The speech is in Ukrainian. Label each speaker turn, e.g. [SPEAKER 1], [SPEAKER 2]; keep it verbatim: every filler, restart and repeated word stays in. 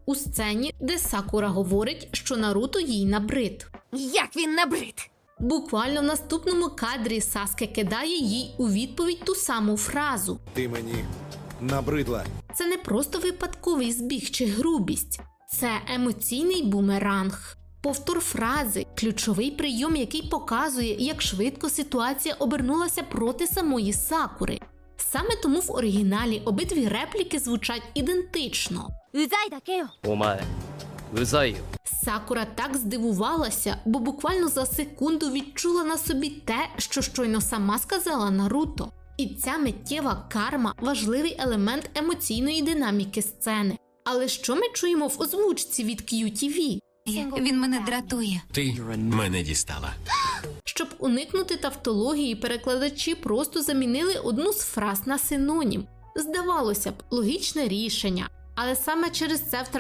[SPEAKER 1] у сцені, де Сакура говорить, що Наруто їй набрид.
[SPEAKER 2] Як він набрид?
[SPEAKER 1] Буквально в наступному кадрі Саске кидає їй у відповідь ту саму фразу.
[SPEAKER 3] Ти мені набридла.
[SPEAKER 1] Це не просто випадковий збіг чи грубість. Це емоційний бумеранг. Повтор фрази – ключовий прийом, який показує, як швидко ситуація обернулася проти самої Сакури. Саме тому в оригіналі обидві репліки звучать ідентично.
[SPEAKER 2] うざいだけよ。
[SPEAKER 4] お前うざいよ。
[SPEAKER 1] Сакура так здивувалася, бо буквально за секунду відчула на собі те, що щойно сама сказала Наруто. І ця миттєва карма – важливий елемент емоційної динаміки сцени. Але що ми чуємо в озвучці від к'ю ті ві?
[SPEAKER 2] Він мене дратує.
[SPEAKER 5] Ти мене дістала.
[SPEAKER 1] Щоб уникнути тавтології, перекладачі просто замінили одну з фраз на синонім. Здавалося б, логічне рішення, але саме через це втрачається